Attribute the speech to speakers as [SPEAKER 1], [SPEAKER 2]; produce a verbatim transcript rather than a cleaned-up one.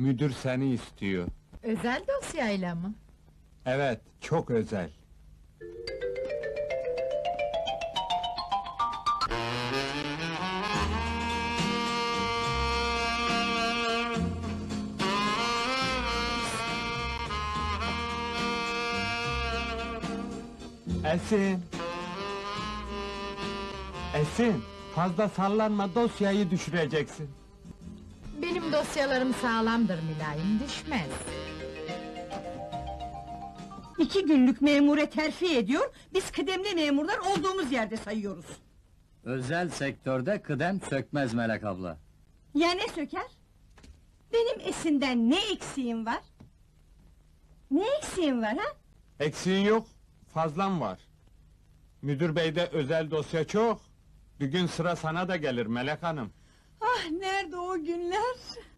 [SPEAKER 1] Müdür seni istiyor.
[SPEAKER 2] Özel dosyayla mı?
[SPEAKER 1] Evet, çok özel. Esin! Esin! Fazla sallanma, dosyayı düşüreceksin.
[SPEAKER 2] Benim dosyalarım sağlamdır mülayim, düşmez.
[SPEAKER 3] İki günlük memure terfi ediyor, biz kıdemli memurlar olduğumuz yerde sayıyoruz.
[SPEAKER 4] Özel sektörde kıdem sökmez Melek abla.
[SPEAKER 3] Ya ne söker? Benim Esin'den ne eksiğim var? Ne eksiğim var ha?
[SPEAKER 1] Eksiğin yok, fazlan var. Müdür beyde özel dosya çok. Bir gün sıra sana da gelir Melek hanım.
[SPEAKER 3] Ah nerede o günler?